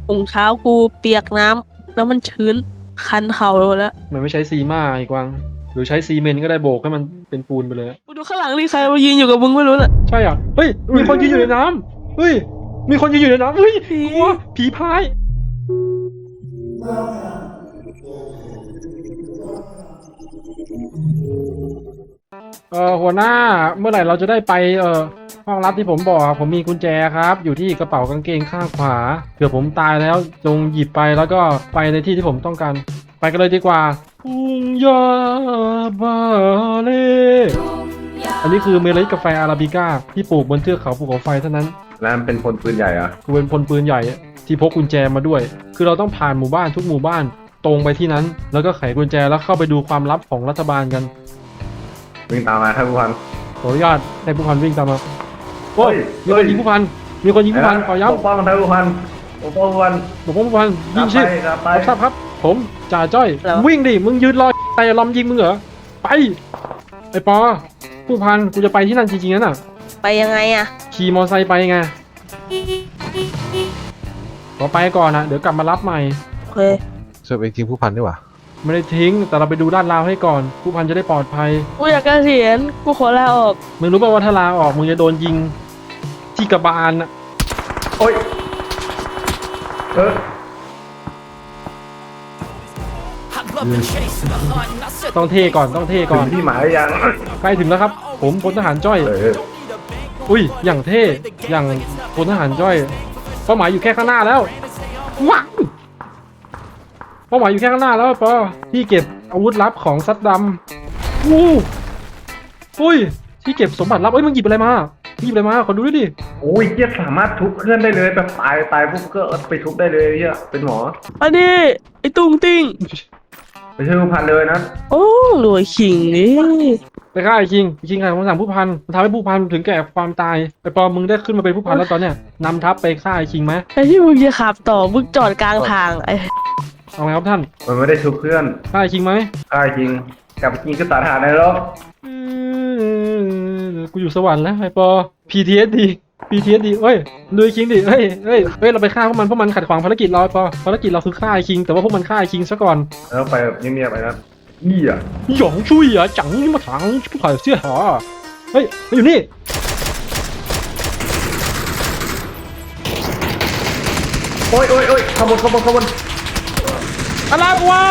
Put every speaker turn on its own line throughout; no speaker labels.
ถุงเท้ากูเปียกน้ำแล้วมันชื้นคันเข่าแล้ว
มันไม่ใช้ซีม่าไอ้กวางหรือใช้ซีเมนต์ก็ได้โบกให้มันเป็นปูนไปเลย
กูดูข้างหลังดิใครมายืนอยู่กับมึงไม่รู้น่ะ
ใช่อ่ะเฮ้ยมีคนยืนอยู่ในน้ำเฮ้ยมีคนยืนอยู่ในน้ำเฮ้ยกลัวผีพายหัวหน้าเมื่อไหร่เราจะได้ไปห้องลับที่ผมบอกผมมีกุญแจครับอยู่ที่กระเป๋ากางเกงข้างขวาเผื่อผมตายแล้วจงหยิบไปแล้วก็ไปในที่ที่ผมต้องการไปกันเลยดีกว่าทุ่งหญ้าบาเล่อันนี้คือเมล็ดกาแฟอาราบิก้าที่ปลูกบนเทือกเขาภูเขาไฟเท่านั้น
แล้วมันเป็นพลปืนใหญ่เหรอ
กูเป็นพลปืนใหญ่ที่พกกุญแจมาด้วยคือเราต้องผ่านหมู่บ้านทุกหมู่บ้านตรงไปที่นั้นแล้วก็ไขกุญแจแล้วเข้าไปดูความลับของรัฐบาลกัน
วิ่งตามมาครับผู้พัน
ขออนุญาตให้ผู้พันวิ่งตามมาโอ้ยมีคนยิงผู้พันมีคนยิงผู้พันขอย้ำ
ปกป้องท่านผู้พันปกป้องผู้พัน
บอกว่าผู้พันยิงชิ
ไป
ทราบครับผมจ่าจ้อยวิ่งดิมึงยืนรอแต่ล้อมยิงมึงเหรอไปไอ้ปอผู้พันกูจะไปที่นั่นจริงๆนั่นน่ะ
ไปยังไงอะ
ขี่มอไซค์ไปไงขอไปก่อนนะเดี๋ยวกลับมารับใหม่
โอเค
เสิร์ฟเองทิ้งผู้พันดีกว่า
ไม่ได้ทิ้งแต่เราไปดูด้านราวให้ก่อนผู้พันจะได้ปลอดภัย
กูอยากเกษียณกูขอลาออก
มึงรู้ป่าวว่าถ้าลาออกมึงจะโดนยิงที่กระบาลน่ะ
โอ้ย
ต้องเท่ก่อนต้องเท่ก่อน
ที่หมายยัง
ใกล้ถึงแล้วครับผมพลทหารจ้อยอุ้ยอย่างเท่อย่างพลทหารจ้อยเป้าหมายอยู่แค่ข้างหน้าแล้วว้าวเป้าหมายอยู่แค่ข้างหน้าแล้วปอที่เก็บอาวุธลับของซัดดำวู้อุ้ยที่เก็บสมบัติลับเอ้ยมึงหยิบอะไรมาหยิบอะไรมาขอดูด้วยดิ
โอ้ยเจี๊ยสามารถทุบเพื่อนได้เลยแบบตายปุ๊บก็ไปทุบได้เลยเจี๊ยเป็นหมอ
อันนี้ไอ้ตุ้งติ้ง
ไปช่วยผู้พันเลยนะ
โอ้รวยขิงนี่
ไปฆ่าไอ้คิงใครคำสั่งผู้พันทำให้ผู้พันถึงแก่ความตายไอ้ปอมึงได้ขึ้นมาเป็นผู้พันแล้วตอนเนี้ยนำทัพไปฆ่าไอ้คิงไหม
ไอ้ที่มึงจะขับต่อมึงจอดกลางทางไอ้
เอาไงครับท่าน
มันไม่ได้ทุบเพื่อน
ฆ่าไอ้คิงไหม
ฆ่าไอ้คิงกลับไปกินก็ตัดหาได้หรอ
กูอยู่สวรรค์แล้วไอ้ปอ PTSD เอ้ยดูไอ้คิงดิเฮ้ยเราไปฆ่าพวกมันขัดขวางภารกิจเราไอ้ปอภารกิจเราคือฆ่าไอ้คิงแต่ว่าพวกมันฆ่าไอ้คิงซะก่อน
แล้วไปแบบเงียบๆไปนะนี่อ่ะ
หยองช่วยอ่ะจังนี่มาถังผู้ผ่านเสียหาเฮ้ยมาอยู่นี่
โอ้ยขบวน
อะไรวะ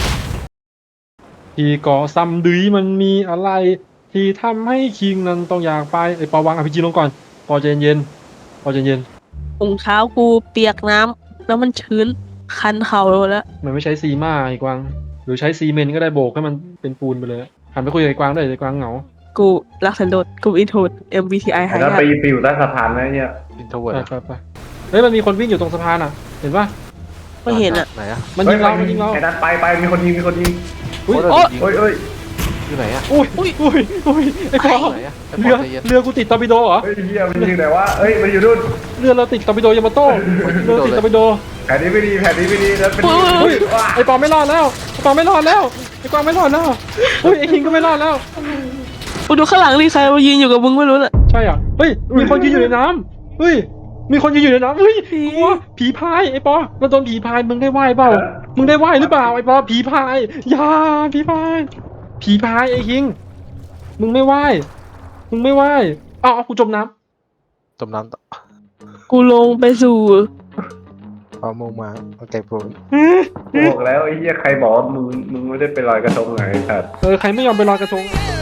ที่ก่อซ้ำดุยมันมีอะไรที่ทำให้คิงนั้นต้องอยากไปไอ้ปอวางRPGลงก่อนปอใจเย็น
ถุงเท้ากูเปียกน้ำแล้วมันชื้นคันเข่าแล้ว
มันไม่ใช้ซีม่าไอ้กวางหรือใช้ซีเมนต์ก็ได้โบกให้มันเป็นปูนไปเลยหันไปคุยกับไอ้กวางได้ไอ้กวางเหงา
กูรักสันโดษกูอินโทรด MBTI หาย
แล้วไปอยู่ใต้สะพานไหมเนี่ย
อินโทรเวิร์ด
ไปเฮ้ยมันมีคนวิ่งอยู่ตรงสะพานอ่ะเห็นปะ
ไม่เห็นอ่ะ
ไหนอ่ะ
มันยิงเรา
ไอ้นัดไปมีคนยิง
โอ้ยอยู่ไหนอ่ะ
อุ้ยไอ้ปอเรือกูติดตอร์ปิโดเหรอ
เฮ้ยเฮียมันยิงไหนวะเฮ้ยมันอยู่นู่น
เรือเราติดตอร์ปิโดยามาโต้เรือติดตอร์ปิโด
แผนนี้ไม่ดีแล้วเป็น
ไอ้ปอไม่รอดแล้วไอ้กวางไม่รอดแล้วไอ้คิงก็ไม่รอดแล้ว
กูดูข้างหลังดิใครมายืนอยู่กับมึงไม่รู้น่ะ
ใช่อ่ะเฮ้ยมีคนยืนอยู่ในน้ำเฮ้ยมีคนยืนอยู่ในน้ำเฮ้ยกลัวผีพายไอ้ปอเราโดนผีพายมึงได้ไหวเปล่ามึงได้ไหวหรือเปล่าไอ้ปอผีพายอย่าผีพายไอ้คิงมึงไม่ไหวเอากูจมน้
ต่อ
กูลงไปสู่
เอามงมาเอาแกโปร
บอกแล้วไอ้เหี้ยใครบอกมึงไม่ได้ไปลอยกระทงไงครับ
ใครไม่ยอมไปลอยกระทง